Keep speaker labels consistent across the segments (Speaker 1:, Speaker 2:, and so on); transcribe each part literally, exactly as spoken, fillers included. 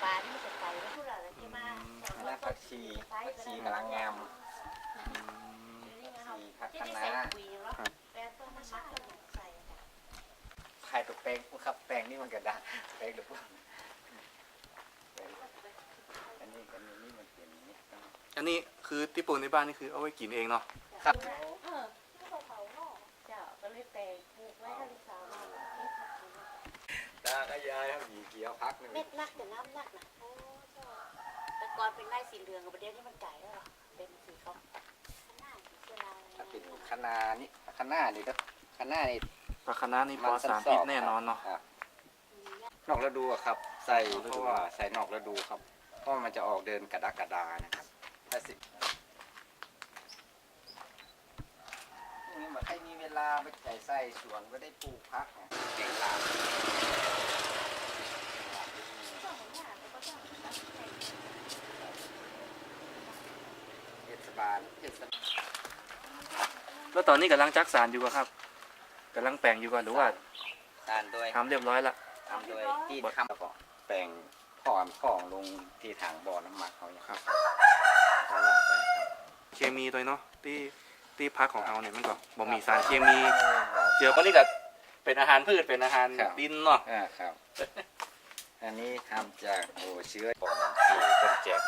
Speaker 1: ปลาที่จะใส่ไม่พูดอะไรที่มา
Speaker 2: แล้วผักชีผักชีกำลังงามชีผักคะน้าไข่ตัวแป้งพวกครับแป้งนี่มันกระด้างแป้งหรือพวกอันนี้อันนี้นี่มันเป็นนี่
Speaker 3: อันนี้คือที่ปลูกในบ้านนี่คือเอาไว้กินเองเนาะ
Speaker 2: ครับตาก็ยายครับหยีเกี่ยวพักนึง
Speaker 1: เม็ดนักแต่น้ำนักนะแต่ก่อนเป็นไร่สีเหลืองกับประเดี๋ยวนี้มันไก่แล้วหรอเป็นสีเขา
Speaker 2: ถ้าเป็นคะน้านี่คะน้านี่ก็คะน้านี่
Speaker 3: ปลาคะน้านี่ปลอดสารพิษแน่นอนเนาะ
Speaker 2: นอกฤดูครับใส่เพราะว่าใส่นอกฤดูครับเพราะมันจะออกเดินกระดักกระดานะครับถ้าสินี่เหมือนใครมีเวลาไปใส่ใส่สวนก็ได้ปลูกพักเนี่ยเก่งลาเทศบาลเทศบาล
Speaker 3: แล้วตอนนี้กำลังจักสารอยู่ครับกำลังแปลงอยู่ก่อนหรือว่า
Speaker 2: สารด้วย
Speaker 3: ทำเรียบร้อยละ
Speaker 2: ทำด้วยที่ทำแล้วก็แปลงพ่อมพ่องลงที่ถังบ่อน้ำหมักเขาอย่างครับเขาลงไป
Speaker 3: เคมีตัวเนาะที่ที่พักของเราเนี่ยมันก็บ่มีสารเคมีเจอก็นี่ก็เป็นอาหารพืชเป็นอาหารดินเนาะ
Speaker 2: อ่าครับอันนี้ทำจากโอ้เชื้อปองที่ต้นแจก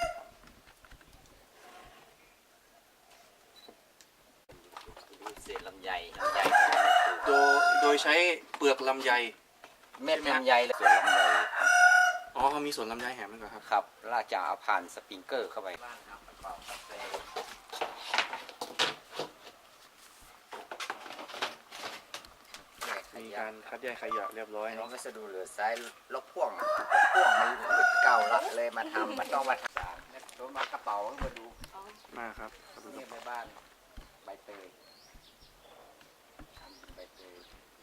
Speaker 2: เศษลำไยลำไย
Speaker 3: โดยโดยใช้เปลือกลำไย
Speaker 2: เม็ดลำไยและส่วนลำไย
Speaker 3: อ๋อเขามีส่วนลำไยแหมมันก็ครับ
Speaker 2: ครับลากจากเอาผ่านสปริงเกอร์เข้าไป
Speaker 3: มีการคัดแยกขยะเรียบร้อย
Speaker 2: น้องก็จะดูเหลือซ้ายลบพ่วงลบพ่วงมันหลุดเก่าละเลยมาทำมันต้องมาทำตัวมากระเป๋ามาดู
Speaker 3: มาครับ
Speaker 2: นี่ในบ้านใบเตยใบเตย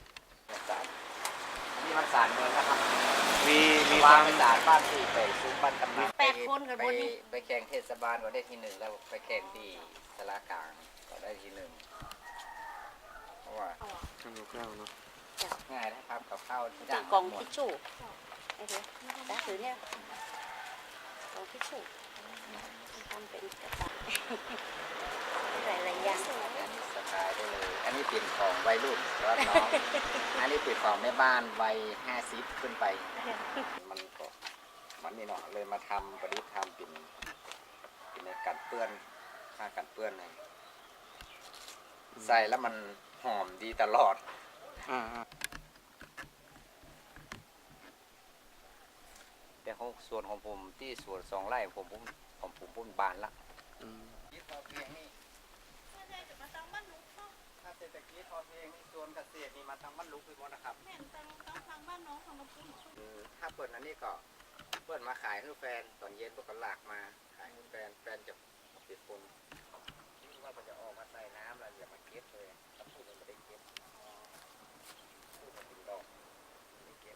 Speaker 2: นี่มันสารเมืองนะครับ
Speaker 3: มีมี
Speaker 2: วางเป็นสารบ้านที่ไปซุ้มบ้านกำนัน
Speaker 1: แปดคนกันบนนี้
Speaker 2: ไปแข่งเทศบาลก็ได้ที่หนึ่งแล้วไปแข่งที่สารกลางก็ได้ที่หนึ่งเพราะว่า
Speaker 3: ทำกับข้าวเนาะ
Speaker 2: ง่ายนะครับกับข้าว
Speaker 1: จากกองทิชชู่ไอ้เดี๋ยวตาถือเนี่ยกองทิชชู่ทำเป็นกระต่ายหลายๆอย่าง
Speaker 2: สกายได้เลยอันนี้เป็นของวัยรุ่นแล้วน้องอันนี้เป็นของแม่บ้านวัยห้าสิบขึ้นไปมันก็มันนี่เนาะเลยมาทำประดิษฐ์ทำเป็นเป็นในกันเปื้อนค่ากันเปื้อนเลยใส่แล้วมันหอมดีตลอดแต่ของส่วนของผมที่สวนสองไร่ผมผมผมผมพุ่นบานละยึดพอเพียงนี่ถ้าเศรษฐกิจพอเพียงนี่ส่วนเกษตรนี่มาทางบ้านลุกไปหมดนะครับแม่นทางทางบ้านน้องของเราปุ้นถ้าเปิดอันนี้ก็เปิดมาขายให้แฟนตอนเย็นพวกก็หลากมาขายให้แฟนแฟนจะติดคนที่ว่าจะออกมาใส่น้ำแล้วอย่ามาเก็บเลยถ้าพูดมันไม่ได้เก็บพูดมันเป็นดอกไม่เก็บ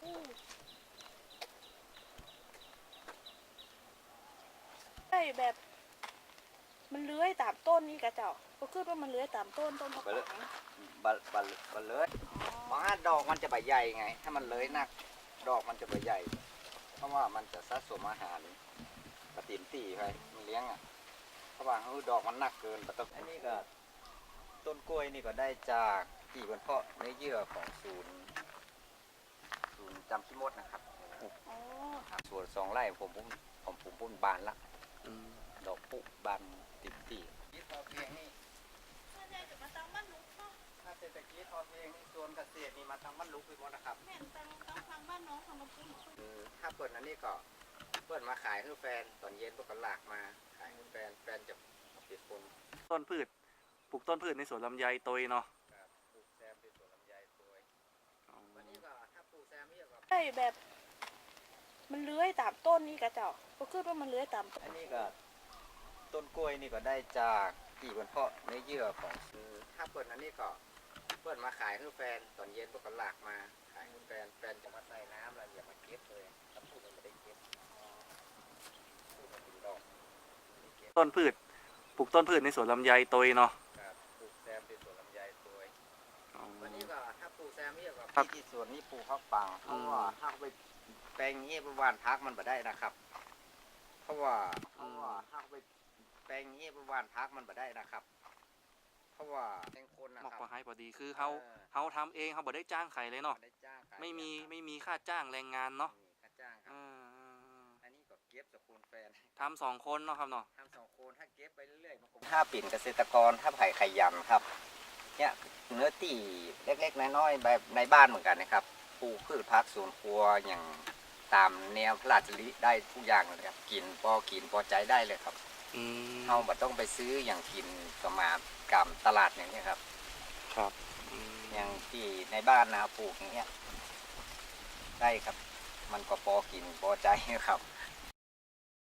Speaker 4: ใช่แบบมันเลื้อยตามต้นนี่กระเจ้าก็คือว่ามันเลื้อยตามต้นต้นมะขาม
Speaker 2: บะบะบะเลื้อยเพราะว่าดอกมันจะใบใหญ่ไงถ้ามันเลื้อยนักดอกมันจะใบใหญ่เพราะว่ามันจะสะสมอาหารปฏิมตีไปมันเลี้ยงอ่ะเพราะว่าเฮ้ยดอกมันหนักเกินปะต้นอันนี้ก็ต้นกล้วยนี่ก็ได้จากที่บนเพาะเนื้อเยื่อของศูนย์ศูนย์จำพิมดนะครับส่วนสองไร่ผมผมผมผมพุ่นบานละดอกปุ๊บบานติดตียึดพอเพียงนี่ถ้าเศรษฐกิจพอเพียงนี่ส่วนเกษตรนี่มาทางบ้านลุกไปหมดนะครับแม่นทางทางบ้านน้องของเราปุ้นถ้าเปิดอันนี้ก็เปิดมาขายให้แฟนตอนเย็นพวกก็หลากมาขายให้แฟนแฟนจะติดคน
Speaker 3: ต้นพืชปลูกต้นพืชในสวนลำไยตัวเนาะ
Speaker 2: ปลูกแซมในสวนลำไยตัววันนี้ก็ถ้าปลูกแซมนี่ก็
Speaker 4: ใช่แบบมันเลื้อยตามต้นนี่กระเจ้าก็คือว่ามันเลื้อยตาม
Speaker 2: อันนี้ก็ต้นกล้วยนี่ก็ได้จากที่บนเพาะเนื้อเยื่อของถ้าเปิดอันนี้ก็เปิดมาขายให้แฟนตอนเย็นพวกก็หลากมาขายให้แฟนแฟนจะมาใส่น้ำแล้วอย่ามาเก็บเลยถ้าพูดมันไม่ได้เก็บพูดมันเป็นดอก
Speaker 3: ต้นพืชปลูกต้นพืชในสวนลำไยตัวเนาะ
Speaker 2: ปลูกแซมในสวนลำไยตัววันนี้ก็ถ้าปลูกแซมนี่ก็ที่สวนนี้ปลูกข้าวปังเพราะว่าถ้าไปแปลงนี้ไปหว่านพักมันบ่ได้นะครับ เพราะว่าเพราะว่าถ้าไปแปลงนี้ไปหว่านพักมันบ่ได้นะครับ เพราะว่าแปลงคนนะ
Speaker 3: หมอก
Speaker 2: ครับ
Speaker 3: พอให้พอดีคือเขา
Speaker 2: เออ
Speaker 3: เขาทำเองเขาบ่ได้จ้างใครเลยเนาะ
Speaker 2: บ่ได้จ้างใคร
Speaker 3: ไม่มี
Speaker 2: ครับ
Speaker 3: ไม่มีค่าจ้างแรงงานเนาะ
Speaker 2: ไม่มีค่าจ้างครั
Speaker 3: เอบ อ
Speaker 2: อันนี้ก็เก็บจากคุณแฟน
Speaker 3: ทำสองคนเนาะครับเนาะ
Speaker 2: ทำสองคนถ้าเก็บไปเรื่อยๆมันคงถ้าปิ่นเกษตรกรถ้าไผ่ขยันครับเนี่ยเนื้อที่เล็กๆน้อยๆแบบในบ้านเหมือนกันนะครับปลูกพืชผักสวนครัวอย่างตามแนวพระราชดำริได้ทุกอย่างเลยครับกินพอกินพอใจได้เลยครับ
Speaker 3: อืม
Speaker 2: เราบ่ต้องไปซื้ออย่างกินประมาณกำตลาดอย่างนี้ยครับ
Speaker 3: ครับอืม
Speaker 2: อย่างที่ในบ้านนะปลูกอย่างเงี้ยได้ครับ มันก็พอกินพอใจครับ